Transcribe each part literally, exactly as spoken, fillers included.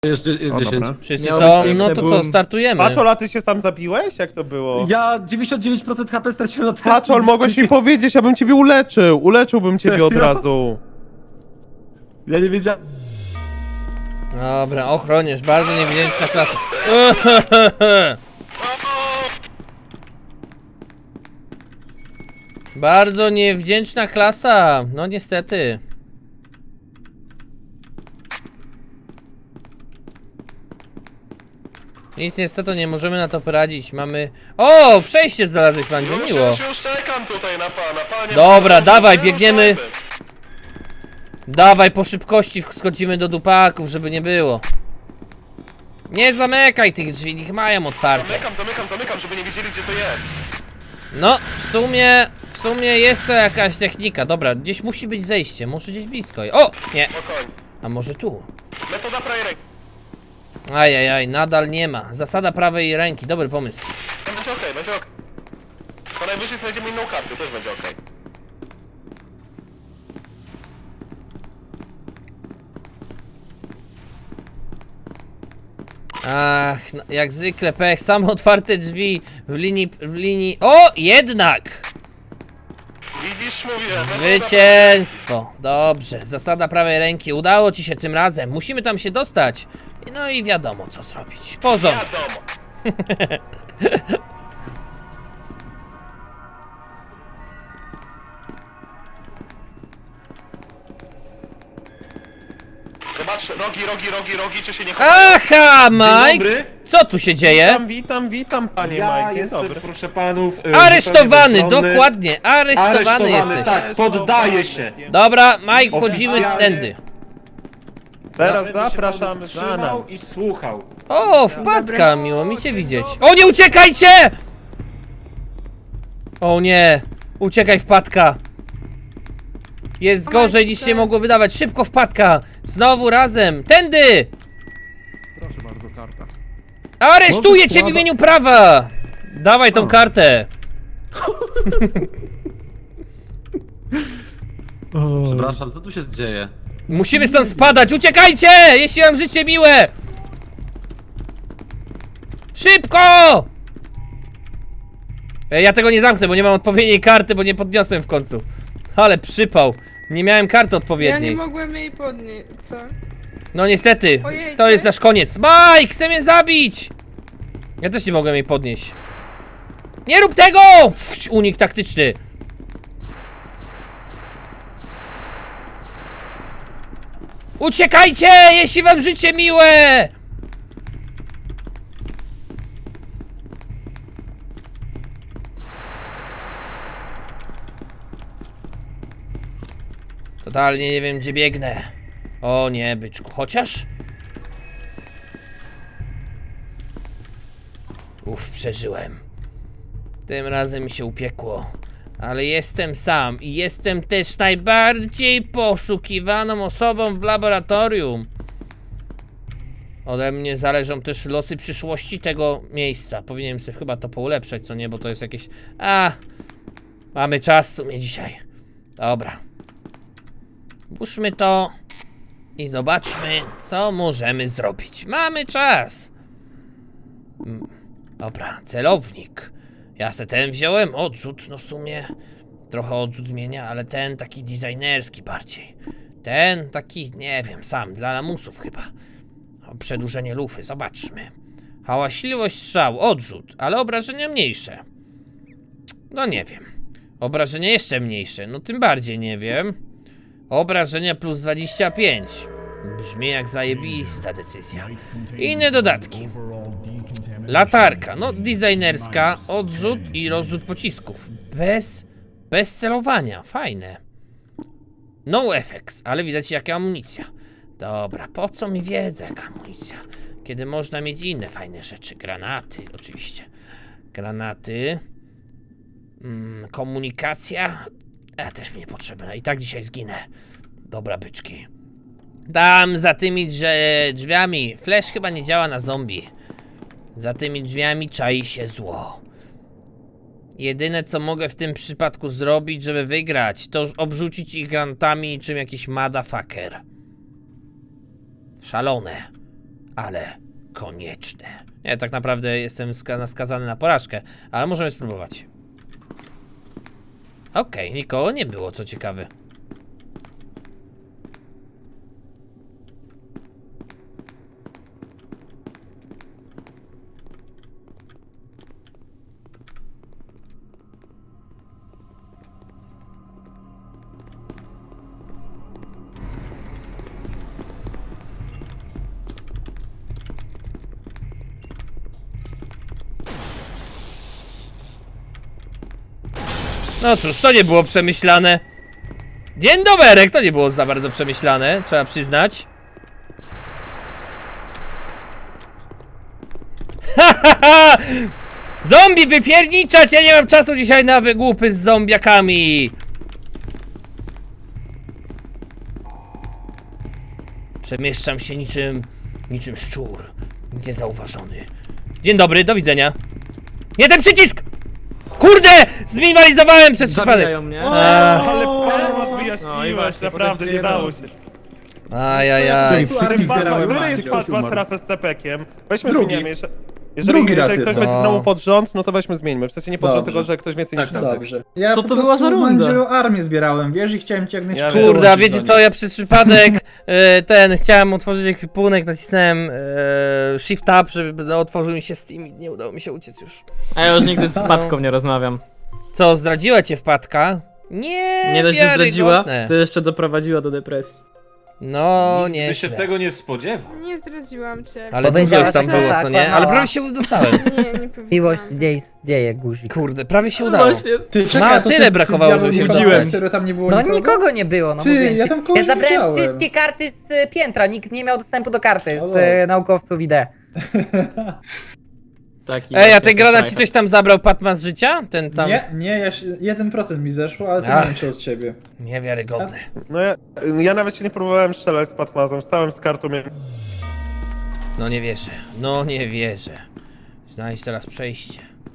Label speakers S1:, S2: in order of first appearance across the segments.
S1: Jest, jest
S2: O,
S1: dziesięć.
S2: dobra.
S3: Wszyscy
S1: Miał
S3: są,
S1: być
S3: no to
S1: piękny
S3: co,
S1: boom.
S3: startujemy.
S4: Paczol, a ty się sam zabiłeś? Jak to było?
S1: Ja dziewięćdziesiąt dziewięć procent H P straciłem na testy.
S4: Paczol, mogłeś mi powiedzieć, ja bym ciebie uleczył. Uleczyłbym ciebie od
S1: Serio?
S4: razu.
S1: Ja nie wiedziałem.
S3: Dobra, ochroniarz, bardzo niewdzięczna klasa. Bardzo niewdzięczna klasa, no niestety. Nic niestety nie możemy na to poradzić, mamy... O, przejście znalazłeś, Mandzio,
S5: Już,
S3: miło.
S5: już, już czekam tutaj na pana, panie.
S3: Dobra,
S5: panie,
S3: dawaj,
S5: nie
S3: biegniemy.
S5: ruszajmy.
S3: Dawaj, po szybkości schodzimy do dupaków, żeby nie było. Nie zamykaj tych drzwi, niech mają otwarte.
S5: Zamykam, zamykam, zamykam, żeby nie wiedzieli, gdzie to jest.
S3: No, w sumie, w sumie jest to jakaś technika. Dobra, gdzieś musi być zejście, może gdzieś blisko. O, nie,
S5: Spokojnie.
S3: a może tu?
S5: Metoda prawej ręki.
S3: Ajajaj, nadal nie ma. Zasada prawej ręki, dobry pomysł.
S5: Będzie okej, będzie okej. To najwyżej znajdziemy inną kartę, też będzie okej.
S3: Ach, no, jak zwykle pech, same otwarte drzwi w linii, w linii... O, jednak!
S5: Widzisz, mówię. metoda
S3: Zwycięstwo! Dobrze, zasada prawej ręki, udało ci się tym razem. Musimy tam się dostać. No i wiadomo co zrobić. Porządek.
S5: Wiadomo. Zobacz, rogi, rogi, rogi, rogi, czy się nie chowają?
S3: Aha,
S2: Dzień
S3: Mike!
S2: dobry.
S3: Co tu się dzieje?
S4: Witam, witam, witam, panie
S2: Ja
S4: Mike. Dzień
S2: jestem,
S4: dobry.
S2: proszę panów, e,
S3: Aresztowany,
S2: zupełnie bezbronny.
S3: dokładnie, aresztowany,
S2: Aresztowany,
S3: jesteś.
S2: tak, poddaję się.
S3: Dobra, Mike, wchodzimy
S2: Oficjalnie.
S3: tędy.
S4: Teraz
S2: Będę się
S4: zapraszamy
S2: panów
S4: za nami.
S2: trzymał i słuchał.
S3: O, wpadka, miło mi cię widzieć. O, nie uciekajcie! O nie, uciekaj wpadka. Jest gorzej niż się mogło wydawać. Szybko wpadka! Znowu razem! Tędy!
S1: Proszę bardzo, karta.
S3: Aresztuję cię w
S1: słaba-
S3: imieniu prawa! Dawaj tą kartę!
S1: Przepraszam, co tu się dzieje?
S3: Musimy stąd spadać! Uciekajcie! Jeśli mam życie miłe! Szybko! Ej, ja tego nie zamknę, bo nie mam odpowiedniej karty, bo nie podniosłem w końcu. Ale przypał. Nie miałem karty
S6: Ja
S3: odpowiedniej.
S6: nie mogłem jej podnieść, co?
S3: No niestety,
S6: Ojejcie.
S3: to jest nasz koniec. Mike, chce mnie zabić! Ja też nie mogłem jej podnieść. Nie rób tego! Fuć, unik taktyczny. Uciekajcie, jeśli wam życie miłe! Totalnie nie wiem, gdzie biegnę. O nie, byczku, chociaż... Uff, przeżyłem. Tym razem mi się upiekło. Ale jestem sam i jestem też najbardziej poszukiwaną osobą w laboratorium. Ode mnie zależą też losy przyszłości tego miejsca. Powinienem sobie chyba to poulepszać, co nie, bo to jest jakieś... A, mamy czas w sumie dzisiaj. Dobra. Włóżmy to i zobaczmy, co możemy zrobić. Mamy czas. Mm, Dobra, celownik. Ja se ten wziąłem, odrzut, no w sumie trochę odrzut zmienia, ale ten taki designerski bardziej. Ten taki, nie wiem, sam, dla lamusów chyba. O, przedłużenie lufy, zobaczmy. Hałaśliwość strzał, odrzut, ale obrażenia mniejsze. No nie wiem. Obrażenia jeszcze mniejsze, no tym bardziej nie wiem. Obrażenia plus dwadzieścia pięć. Brzmi jak zajebista decyzja. Inne dodatki. Latarka, no designerska, odrzut i rozrzut pocisków. Bez, bez celowania, fajne. No effects, ale widać jaka amunicja. Dobra, po co mi wiedza jaka amunicja? Kiedy można mieć inne fajne rzeczy. Granaty, oczywiście. Granaty. Mm, komunikacja. A też mi niepotrzebna. I tak dzisiaj zginę. Dobra, byczki. Tam za tymi drze- drzwiami. Flash chyba nie działa na zombie. Za tymi drzwiami czai się zło. Jedyne co mogę w tym przypadku zrobić, żeby wygrać, to obrzucić ich granatami niczym jakiś motherfucker. Szalone. ale konieczne. Nie, tak naprawdę jestem ska skazany na porażkę, ale możemy spróbować. Okej, okay, nikogo nie było, co ciekawe. No cóż, to nie było przemyślane. Dzień doberek, to nie było za bardzo przemyślane, trzeba przyznać. Hahaha! Zombie wypierniczać! Ja nie mam czasu dzisiaj na wygłupy z zombiakami. Przemieszczam się niczym, niczym szczur. Niezauważony. Dzień dobry, do widzenia. Nie ten przycisk! Kurde! Zminimalizowałem przez przypadek!
S7: Zabijają mnie.
S3: Eee.
S4: Ale Patmas
S7: No i
S4: wyjaśniłeś,
S7: właśnie,
S4: naprawdę
S7: potem
S4: nie dało
S7: wiedzą.
S4: się.
S3: Ajajaj.
S1: Wszystkich zbierałem,
S4: Który
S1: a
S4: jest
S1: tylko
S4: Patmas
S1: umarł.
S4: teraz z C-Pekiem? Weźmy
S1: Drugi.
S4: zmieniamy jeszcze. Jeżeli,
S1: Drugi raz
S4: jeżeli ktoś
S1: jest.
S4: będzie
S3: No.
S4: znowu pod rząd, no to weźmy zmieńmy. W sensie nie pod rząd,
S7: Dobrze.
S4: tylko że ktoś więcej
S1: Tak,
S4: niż
S1: tak.
S4: nas.
S7: Dobrze.
S8: Ja
S7: Co
S8: po
S7: to była za
S8: prostu
S7: runda?
S8: Mandzio armię zbierałem, wiesz, i chciałem cię jak
S4: Ja
S8: najszybciej
S4: wiem.
S3: Kurde, a
S8: dołączyć
S3: wiecie
S8: do
S3: co,
S8: nich.
S3: ja przez przypadek e, ten, chciałem otworzyć ekwipunek, nacisnąłem e, Shift Tab, żeby no, otworzył mi się Steam i nie udało mi się uciec już.
S7: A ja już nigdy z Patką nie rozmawiam.
S3: Co, zdradziła cię wpadka? Nie,
S7: Nie dość, że zdradziła,
S3: wiarygodne.
S7: to jeszcze doprowadziła do depresji.
S3: No,
S2: Nikt by się
S3: nieźle.
S2: tego nie spodziewał.
S6: Nie zdradziłam cię.
S3: Ale dużo
S9: Powiedziałaś,
S3: ich tam
S9: że
S3: było,
S9: tak,
S3: co nie? Ale
S9: kłamała.
S3: prawie się dostałem.
S6: Nie, nie powiedziałam.
S9: Miłość dzieje, dzieje guzik.
S3: Kurde, prawie się
S7: No
S3: udało.
S7: właśnie,
S8: Ty,
S3: Ma,
S8: to
S3: tyle
S8: ty-
S3: brakowało,
S8: ty
S3: żeby się
S8: diabeł
S3: dostać.
S8: nie serio tam nie było
S9: No
S8: nikogo?
S9: nikogo nie było, no
S8: Ty,
S9: mówię
S8: ja
S9: ci.
S8: tam kogoś
S9: Ja zabrałem
S8: widziałem.
S9: wszystkie karty z y, piętra, nikt nie miał dostępu do karty z
S8: O,
S9: y, naukowców I D.
S7: taki
S3: Ej, a
S7: właśnie
S3: ten granat ci
S7: strajk.
S3: coś tam zabrał Patmas z życia? Ten tam...
S8: Nie, nie, ja się, jeden procent mi zeszło, ale to
S3: Ach.
S8: nie wiem czy od ciebie.
S3: Niewiarygodne.
S4: No ja, ja nawet się nie próbowałem strzelać z Patmazem, stałem z kartą, miałem...
S3: No nie wierzę, no nie wierzę. Znajdź teraz przejście.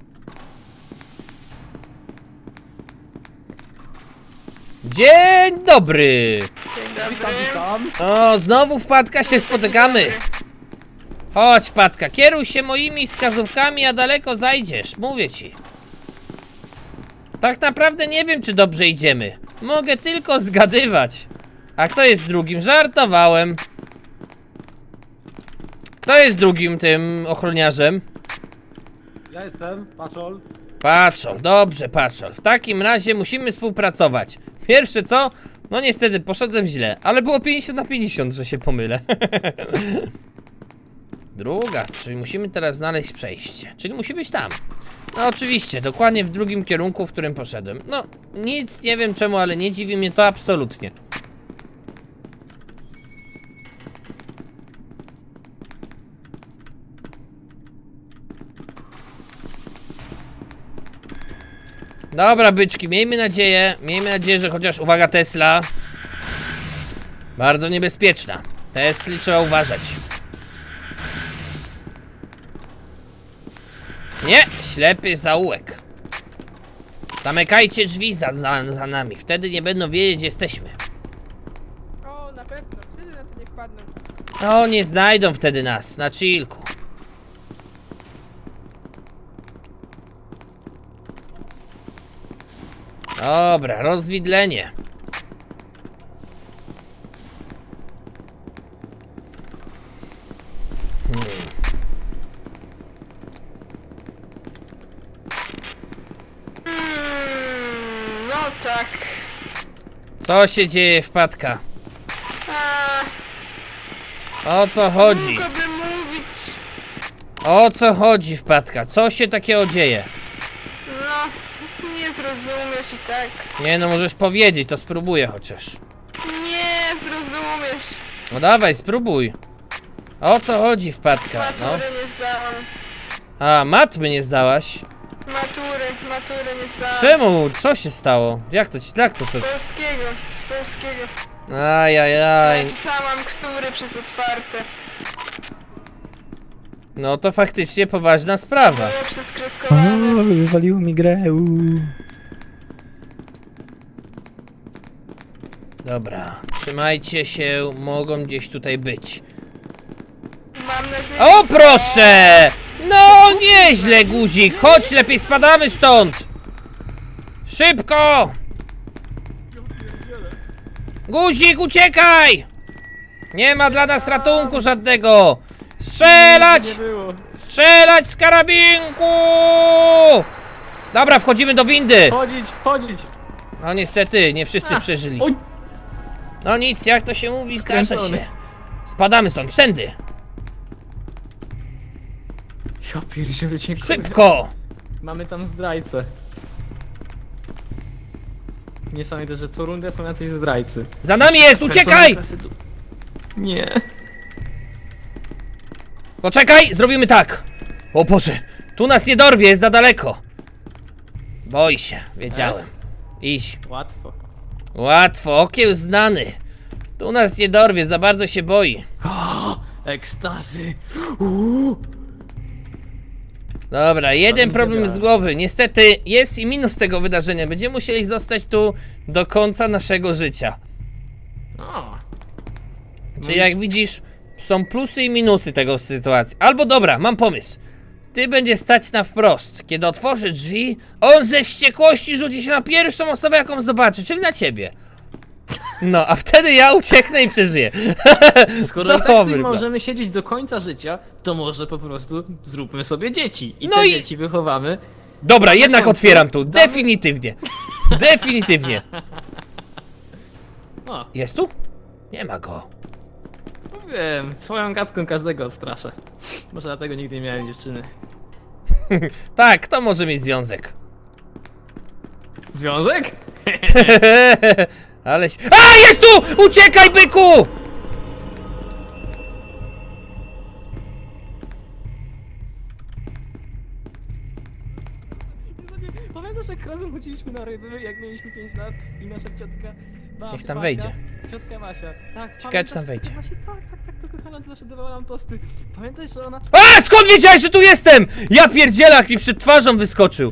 S3: Dzień dobry!
S6: Dzień dobry.
S3: O, znowu wpadka się spotykamy. Chodź, Patka, kieruj się moimi wskazówkami, a daleko zajdziesz, mówię ci. Tak naprawdę nie wiem, czy dobrze idziemy. Mogę tylko zgadywać. A kto jest drugim? Żartowałem. Kto jest drugim tym ochroniarzem?
S1: Ja jestem, Paczol.
S3: Patrzol, dobrze, Patrzol. W takim razie musimy współpracować. Pierwsze co? No niestety, poszedłem źle, ale było pięćdziesiąt na pięćdziesiąt, że się pomylę. Druga, czyli musimy teraz znaleźć przejście. Czyli musi być tam. No oczywiście, dokładnie w drugim kierunku, w którym poszedłem. No, nic nie wiem czemu, ale nie dziwi mnie to absolutnie. Dobra, byczki, miejmy nadzieję, miejmy nadzieję, że chociaż, uwaga, Tesla. Bardzo niebezpieczna. Tesli trzeba uważać. Nie, ślepy zaułek. Zamykajcie drzwi za, za, za nami, wtedy nie będą wiedzieć, gdzie jesteśmy.
S6: O, na pewno. Wtedy na to nie wpadną.
S3: O, nie znajdą wtedy nas, na chillku. Dobra, rozwidlenie. Hmm.
S6: Mm, no tak.
S3: Co się dzieje, wpadka?
S6: A,
S3: O co chodzi?
S6: długo by mówić.
S3: O co chodzi, wpadka? Co się takiego dzieje?
S6: No, nie zrozumiesz i tak.
S3: Nie no, możesz powiedzieć, to spróbuję chociaż.
S6: Nie zrozumiesz.
S3: No dawaj, spróbuj. O co chodzi, wpadka? No.
S6: Matury nie zdałam.
S3: A, matmy nie zdałaś?
S6: Matury, matury nie zdałam.
S3: Czemu? Co się stało? Jak to ci, jak to to?
S6: Z polskiego, z polskiego.
S3: Ajajaj.
S6: Napisałam, który przez otwarte.
S3: No to faktycznie poważna sprawa.
S6: Było przez kreskowane.
S9: wywaliło mi grę.
S3: Dobra, trzymajcie się, mogą gdzieś tutaj być.
S6: Mam prowadzenie.
S3: O proszę! No nieźle, guzik. Chodź, lepiej spadamy stąd. Szybko! Guzik, uciekaj! Nie ma dla nas ratunku żadnego. Strzelać! Strzelać z karabinku! Dobra, wchodzimy do windy.
S7: Chodzić, chodzić!
S3: No niestety, nie wszyscy przeżyli.
S7: oj.
S3: No nic, jak to się mówi, zdarza
S7: Skręcony.
S3: się. Spadamy stąd, wszędy.
S7: Ja pierdzielę, dziękuję.
S3: Szybko!
S7: Mamy tam zdrajcę. Niesamowite, że co rundę są jacyś zdrajcy.
S3: Za nami jest, uciekaj!
S7: Personel klasy du- Nie.
S3: Poczekaj, zrobimy tak. O Boże, tu nas nie dorwie, jest za daleko. Boi się, wiedziałem. Idź.
S7: Łatwo.
S3: Łatwo, okiełznany. Tu nas nie dorwie, za bardzo się boi.
S7: Ekstazy.
S3: Dobra, jeden
S7: mi się
S3: problem
S7: da.
S3: z głowy. Niestety jest i minus tego wydarzenia. Będziemy musieli zostać tu do końca naszego życia.
S7: O.
S3: Czyli jak widzisz, są plusy i minusy tego sytuacji. Albo dobra, mam pomysł. Ty będziesz stać na wprost. Kiedy otworzy drzwi, on ze wściekłości rzuci się na pierwszą osobę, jaką zobaczy, czyli na ciebie. No, a wtedy ja ucieknę i przeżyję.
S7: Skoro i tak
S3: Dobry
S7: tu
S3: plan.
S7: możemy siedzieć do końca życia, to może po prostu zróbmy sobie dzieci. I
S3: No
S7: te
S3: i-
S7: dzieci wychowamy.
S3: Dobra, jednak
S7: końcu
S3: otwieram tu.
S7: damy-
S3: Definitywnie. Definitywnie.
S7: O,
S3: Jest tu? Nie ma go.
S7: wiem, swoją gadką każdego odstraszę. Może dlatego nigdy nie miałem dziewczyny.
S3: Tak, to może mieć związek.
S7: Związek?
S3: Ale... A, jest tu! Uciekaj, byku!
S7: Pamiętasz, jak razem chodziliśmy na ryby, jak mieliśmy pięć lat i nasza ciotka Basia,
S3: Niech tam
S7: Basia,
S3: wejdzie.
S7: Ciotka Basia. Tak,
S3: Ciekawe, czy tam
S7: pamiętasz,
S3: wejdzie.
S7: ciotka Basia? Tak, tak, tak, to kochana, to zawsze dawała nam tosty. Pamiętasz, że ona...
S3: A, skąd wiedziałeś, że tu jestem? Ja pierdzielak mi przed twarzą wyskoczył.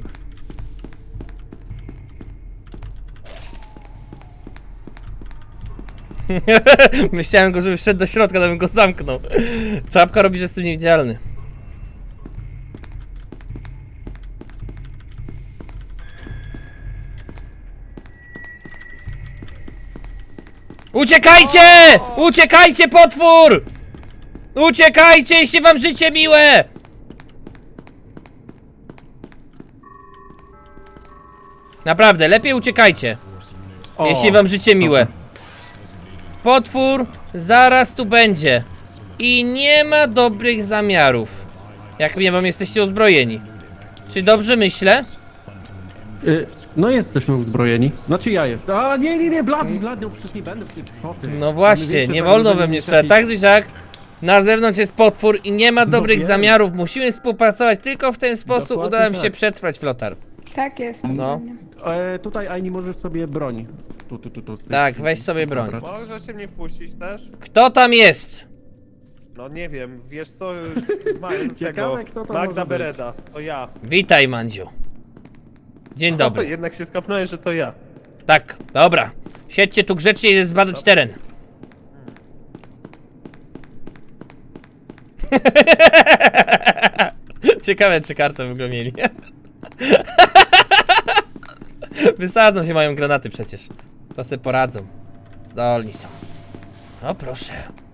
S3: Myślałem go, żeby wszedł do środka, to bym go zamknął. Czapka robi, że jestem niewidzialny. Uciekajcie! Uciekajcie, potwór! Uciekajcie, jeśli wam życie miłe! Naprawdę, lepiej uciekajcie.
S1: O,
S3: Jeśli wam życie miłe. Potwór zaraz tu będzie. I nie ma dobrych zamiarów. Jak nie wam jesteście uzbrojeni. Czy dobrze myślę?
S1: y, no jesteśmy uzbrojeni. Znaczy ja jestem. A nie, nie, nie, Blady, Blady, no przecież nie będę, przecież co ty.
S3: No właśnie,
S1: Mamy
S3: nie
S1: większe
S3: wolno we
S1: zagrożenie
S3: mnie
S1: niż
S3: strzelać.
S1: jakiś-
S3: Tak czy siak, na zewnątrz jest potwór i nie ma dobrych
S1: wiem.
S3: zamiarów. Musimy współpracować. Tylko w ten sposób
S1: Dokładnie
S3: uda nam się
S1: tak.
S3: przetrwać, Flotar.
S6: Tak jest.
S3: No.
S1: E, tutaj Aini możesz sobie broń. Tu, tu, tu, tu. z tej
S3: Tak,
S1: strony
S3: weź sobie broń.
S1: zabrać.
S5: Możecie mnie wpuścić też?
S3: Kto tam jest?
S5: No nie wiem, wiesz co, mają tego,
S1: Ciekawe, kto to może
S5: Magda
S1: być.
S5: Bereda, to ja.
S3: Witaj, Mandziu. Dzień
S5: O,
S3: dobry.
S5: jednak się skapnąłeś, że to ja.
S3: Tak, dobra. Siedźcie tu grzecznie i zbadać teren. Ciekawe, czy kartę w ogóle mieli. Wysadzą się, mają granaty przecież. To se poradzą. Zdolni są. O proszę.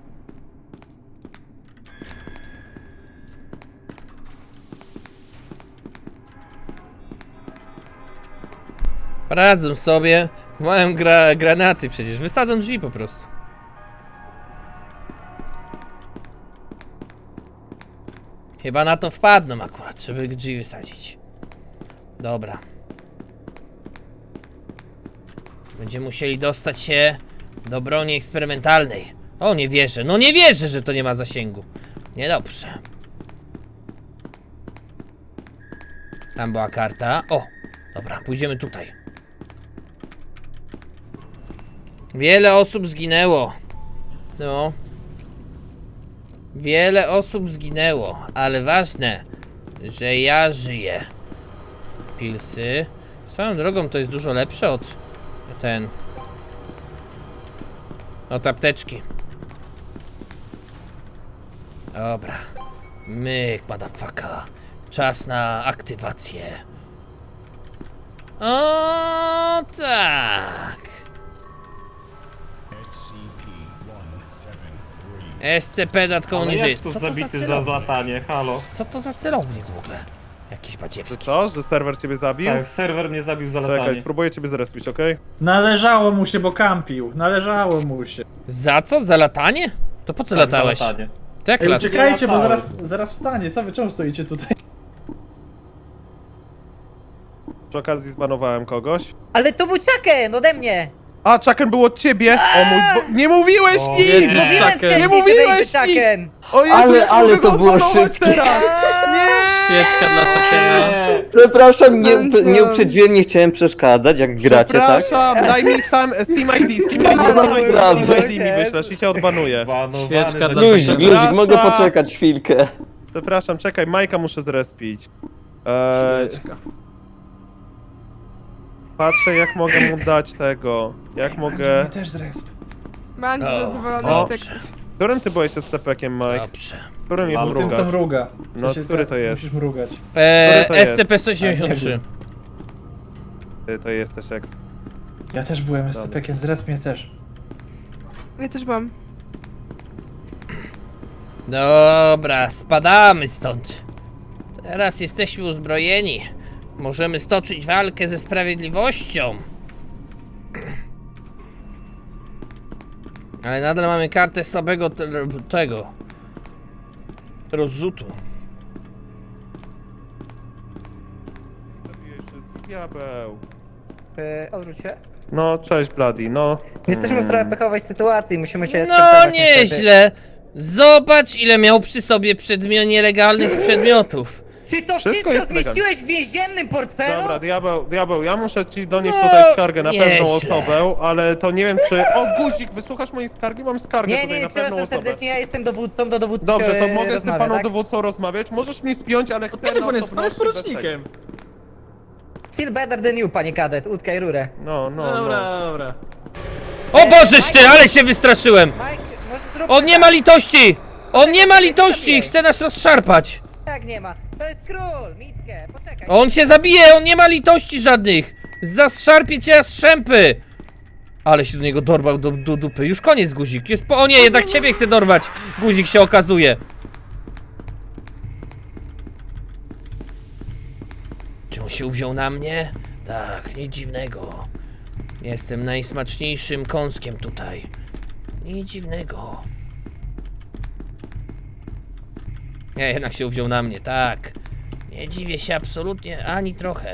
S3: Poradzą sobie. Mają gra granaty przecież. Wysadzą drzwi po prostu. Chyba na to wpadną akurat, żeby drzwi wysadzić. Dobra. Będziemy musieli dostać się do broni eksperymentalnej. O, nie wierzę. No nie wierzę, że to nie ma zasięgu. Niedobrze. Tam była karta. O, dobra, pójdziemy tutaj. Wiele osób zginęło. No. Wiele osób zginęło, ale ważne, że ja żyję. Pilsy. Swoją drogą to jest dużo lepsze od ten. Od apteczki. Dobra. Myk, motherfucker. Czas na aktywację. O tak. S C P dodatkowo
S2: Ale
S3: niżej.
S2: jak tu
S3: Co to za
S2: zabity za
S3: celownik?
S2: zlatanie, halo?
S3: Co to za celownik w ogóle? Jakiś
S4: Że
S3: badziewski.
S4: co? Że serwer ciebie zabił?
S2: Tak, serwer mnie zabił za
S4: Czekaj,
S2: latanie.
S4: spróbuję ciebie zrespić, okej?
S8: Należało mu się, bo kampił. Należało mu się.
S3: Za co? Za latanie? To po co
S2: Tak, za
S3: latałeś?
S2: latanie.
S3: To jak
S8: Ej,
S3: lat?
S8: uciekajcie, bo
S2: latałem.
S8: zaraz, zaraz wstanie. Co wy, czemu stoicie tutaj?
S4: Przy okazji zbanowałem kogoś.
S9: Ale to był Chucken ode mnie!
S4: A, Chucken był od ciebie! O mój bo... Nie mówiłeś
S2: O,
S4: nic!
S2: nie.
S9: Mówiłem
S7: Chucken.
S9: wcześniej,
S4: Nie
S9: że
S4: mówiłeś
S9: będzie
S4: nic!
S9: Chucken!
S4: O Jezu,
S10: Ale-
S4: jak
S10: ale
S4: mogę
S10: to
S4: go
S10: było
S4: odbanować
S10: szybkie.
S4: teraz? Nie!
S7: Świeczka dla Chuckena.
S2: Nie,
S10: Przepraszam, nie,
S6: Bardzo.
S10: nie uprzedziłem, nie chciałem przeszkadzać, jak gracie, tak?
S4: Przepraszam, daj mi Steam, Steam I D, Steam I D,
S10: No,
S4: Steam
S10: naprawdę.
S4: I D mi wyślesz i cię odbanuję.
S2: banowany
S7: Świeczka
S2: za
S7: dla
S10: Luzik,
S7: Chuckena.
S10: luzik, mogę
S4: Przepraszam.
S10: poczekać chwilkę.
S4: Przepraszam, czekaj, Majka muszę zrespić. Eee,
S7: Świeczka.
S4: patrzę jak mogę mu dać tego. Jak mogę...
S8: Też zresp.
S6: Bardzo
S3: O,
S6: zadowolony.
S3: dobrze,
S4: Którym ty byłeś z stepekiem, Mike?
S3: dobrze.
S4: Którym jest
S2: Mam
S8: Tym co
S4: mruga?
S8: mruga. W
S4: No,
S8: sensie
S4: który
S8: tak,
S4: to jest?
S8: Musisz mrugać.
S3: Eee,
S4: to jest?
S3: S C P sto siedemdziesiąt trzy.
S4: Ty to jesteś ekstra.
S8: Ja też byłem S C P-kiem, zresp mnie też.
S6: Ja też byłam.
S3: Dobra, spadamy stąd. Teraz jesteśmy uzbrojeni. Możemy stoczyć walkę ze sprawiedliwością. Ale nadal mamy kartę słabego te- tego rozrzutu.
S4: Zabiłeś wszystkich, diabeł.
S9: Yy, odwróć się.
S4: No, cześć Bloody, no.
S9: Jesteśmy w trochę pechowej sytuacji, musimy się
S3: No
S9: skontaktować niestety.
S3: nieźle. Zobacz ile miał przy sobie przedmio nielegalnych przedmiotów.
S9: Czy to
S4: Wszystko
S9: wszystko,
S4: jest
S9: zmieściłeś w więziennym portfelu?
S4: Dobra, diabeł, diabeł, ja muszę ci donieść
S3: No,
S4: tutaj skargę na pewną
S3: nieźle.
S4: osobę, ale to nie wiem czy... O, guzik, wysłuchasz mojej skargi? Mam skargę
S9: Nie,
S4: tutaj
S9: nie,
S4: na pewną
S9: przepraszam
S4: osobę.
S9: serdecznie, ja jestem dowódcą, do dowódcy
S4: Dobrze, to
S9: e,
S4: mogę z tym
S9: rozmawiam,
S4: paną
S9: tak?
S4: dowódcą rozmawiać? Możesz mi spiąć, ale chcę
S7: Kiedy
S4: na
S7: pan jest, pan jest
S4: osobności bez
S7: porucznikiem.
S9: Still better than you, panie kadet, utkaj rurę.
S4: tego. No,
S7: No
S4: no,
S7: dobra,
S4: no.
S7: dobra.
S3: O Bożeż ty, ale się wystraszyłem.
S9: Mike, może zrób
S3: On nie ma litości! On nie ma litości! Chce nas rozszarpać!
S9: Tak nie ma. To jest król, Mickę, poczekaj.
S3: On się zabije, on nie ma litości żadnych! Zaszarpie cię z szępy! Ale się do niego dorwał do, do dupy. Już koniec, guzik. Jest po... O nie, jednak ciebie chce dorwać. Guzik się okazuje. Czy on się uwziął na mnie? Tak, nic dziwnego. Jestem najsmaczniejszym kąskiem tutaj. Nic dziwnego. Nie, jednak się uwziął na mnie, tak. Nie dziwię się absolutnie ani trochę.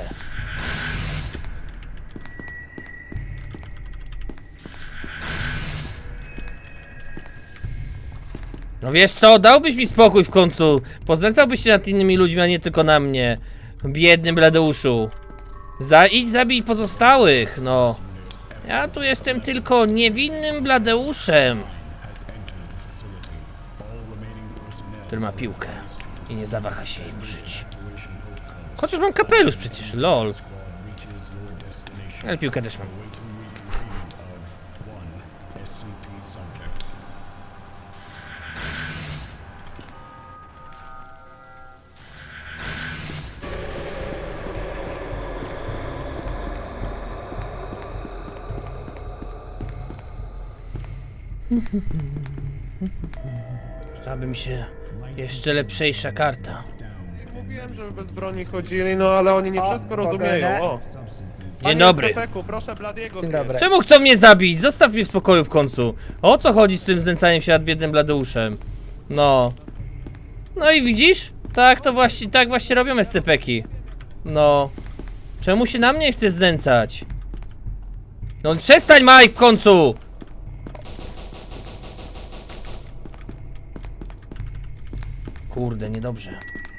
S3: No wiesz co, dałbyś mi spokój w końcu. Poznęcałbyś się nad innymi ludźmi, a nie tylko na mnie. Biedny Bladeuszu. Za, idź zabij pozostałych, no. Ja tu jestem tylko niewinnym Bladeuszem, który ma piłkę i nie zawaha się jej użyć. Chociaż mam kapelusz przecież, lol. Ale piłkę też mam. Przydałaby mi się jeszcze lepszejsza karta.
S4: Mówiłem, żeby bez broni chodzili, no ale oni nie
S9: O,
S4: wszystko
S9: spokojnie.
S4: rozumieją, o.
S3: Dzień dobry.
S4: Stepeku, proszę Bladiego
S9: Dzień
S4: zjeść.
S9: dobry.
S3: Czemu chcą mnie zabić? Zostaw mnie w spokoju w końcu. O co chodzi z tym znęcaniem się nad biednym Bladeuszem? No. No i widzisz? Tak to właśnie, tak właśnie robią S C P-ki. No. Czemu się na mnie chce znęcać? No przestań, Mike, w końcu! Kurde, niedobrze.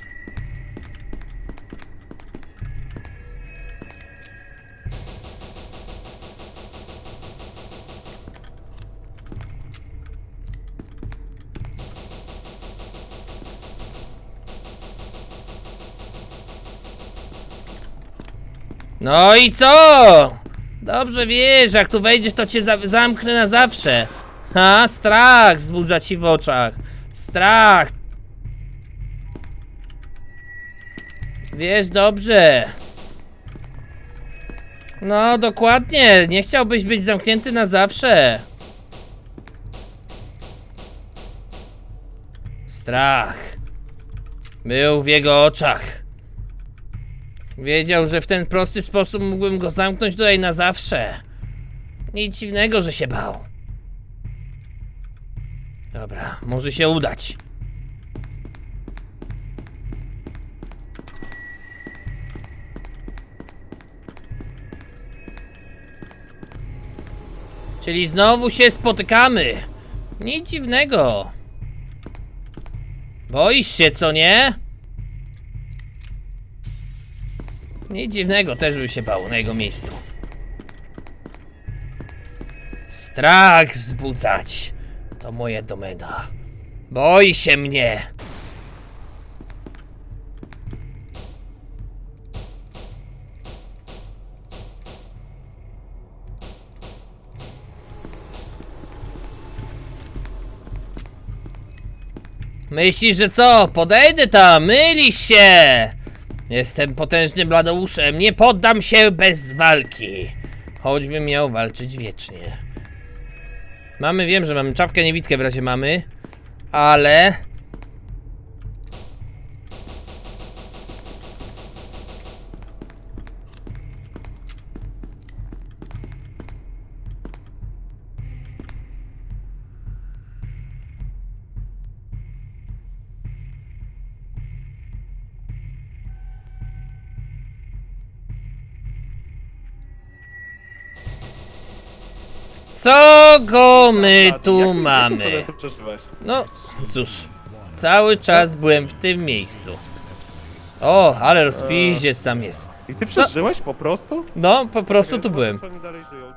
S3: No i co? Dobrze wiesz, jak tu wejdziesz, to cię za zamknę na zawsze. Ha, strach wzbudza ci w oczach. Strach. Wiesz dobrze. No, dokładnie. Nie chciałbyś być zamknięty na zawsze. Strach był w jego oczach. Wiedział, że w ten prosty sposób mógłbym go zamknąć tutaj na zawsze. Nic dziwnego, że się bał. Dobra, może się udać. Czyli znowu się spotykamy. Nic dziwnego. Boisz się, co nie? Nic dziwnego, też bym się bał na jego miejscu. Strach wzbudzać. To moja domena. Boi się mnie. Myślisz, że co? Podejdę tam, mylisz się! Jestem potężnym bladouszem, nie poddam się bez walki. Choćbym miał walczyć wiecznie. Mamy, wiem, że mamy czapkę niewidkę w razie mamy, ale... Co go my tu mamy?
S4: Co ty przeżyłeś?
S3: No, cóż, cały czas byłem w tym miejscu. O, ale rozpiździec tam jest.
S4: I ty przeżyłeś po prostu?
S3: No, po prostu tu byłem.
S4: Oni dalej żyją.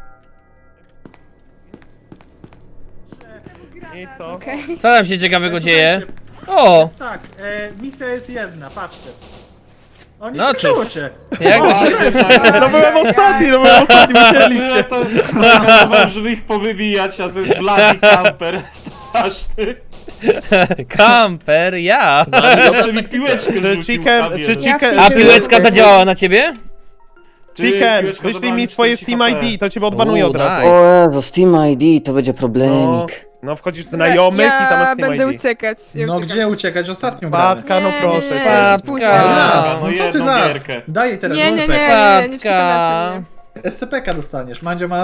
S4: I co?
S3: Co tam się ciekawego dzieje? O,
S8: Tak, e, misja jest jedna, patrzcie. O, nie
S3: No
S8: skończyło
S3: cóż.
S8: się.
S3: jak to się...
S4: No byłem ostatni, no byłem ostatni,
S2: Ja
S4: musieliście.
S2: to próbowałem, żeby ich powybijać, a ten bloody camper straszny.
S3: Kamper, ja.
S2: Jeszcze mi piłeczkę rzucił.
S4: Chicken,
S2: Fabian.
S4: czy chicken...
S3: A piłeczka zadziałała na ciebie?
S2: Ty,
S4: Chicken,
S2: piłeczka
S4: wyślij
S2: zabrała
S4: mi
S2: mi
S4: swoje
S2: czterdzieści
S4: Steam
S2: H P.
S4: I D, to cię odbanuję
S3: U,
S4: od razu.
S3: nice.
S10: O Jezu, Steam I D, to będzie
S4: No,
S10: problemik.
S4: no wchodzisz w znajomych i tam
S6: ja
S4: jest Steam
S6: będę
S4: I D.
S6: uciekać. Ja
S8: No
S6: uciekam.
S8: gdzie uciekać? Ostatnią gramy.
S4: Patka, no
S6: Nie,
S4: proszę.
S6: nie, nie,
S4: proszę.
S6: później.
S3: Patka.
S8: No,
S2: No
S8: co ty
S2: jedną
S8: nas?
S2: gierkę.
S8: Daj jej teraz
S6: Nie, nie, nie,
S8: rurkę.
S6: nie, nie, nie
S3: Patka.
S6: przekonacie mnie.
S8: S C P ka dostaniesz. Mandzio ma